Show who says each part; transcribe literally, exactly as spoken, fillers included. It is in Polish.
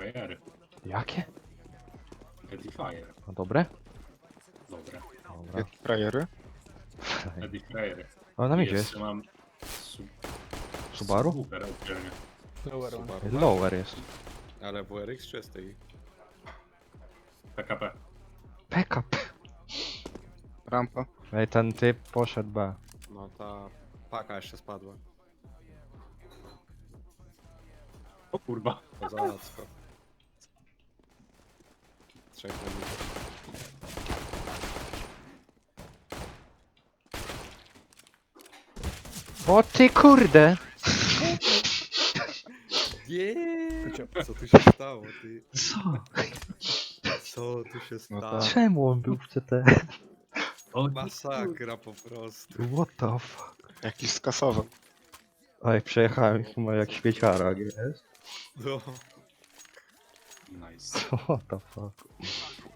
Speaker 1: Frajery.
Speaker 2: Jakie?
Speaker 1: Edifier.
Speaker 2: No dobre?
Speaker 1: Dobra.
Speaker 2: Dobra.
Speaker 3: Jakie frajery?
Speaker 1: Edifier.
Speaker 2: O, na midzie jest.
Speaker 1: Jeszcze mam... Su...
Speaker 2: Subaru?
Speaker 1: Super, oddzielnie.
Speaker 4: Lower one.
Speaker 5: Subaru masz?
Speaker 2: Lower jest.
Speaker 5: Ale W R X czy S T I?
Speaker 1: P K P.
Speaker 2: Backup.
Speaker 3: Rampa.
Speaker 2: Ej, ten typ poszedł B.
Speaker 5: No ta paka jeszcze spadła.
Speaker 1: O kurwa.
Speaker 5: To za łatwo. Trzech na mnie.
Speaker 2: O ty kurde!
Speaker 5: Nie! Co tu się stało, ty?
Speaker 2: Co?
Speaker 5: Co tu się
Speaker 3: No
Speaker 5: stało?
Speaker 3: tak.
Speaker 2: Czemu on był w C T?
Speaker 1: O,
Speaker 5: Masakra po prostu.
Speaker 2: What the fuck?
Speaker 3: Jakiś skasowy.
Speaker 2: Oj, przejechałem chyba jak świeciara, jest?
Speaker 5: No.
Speaker 1: Nice.
Speaker 2: What the fuck?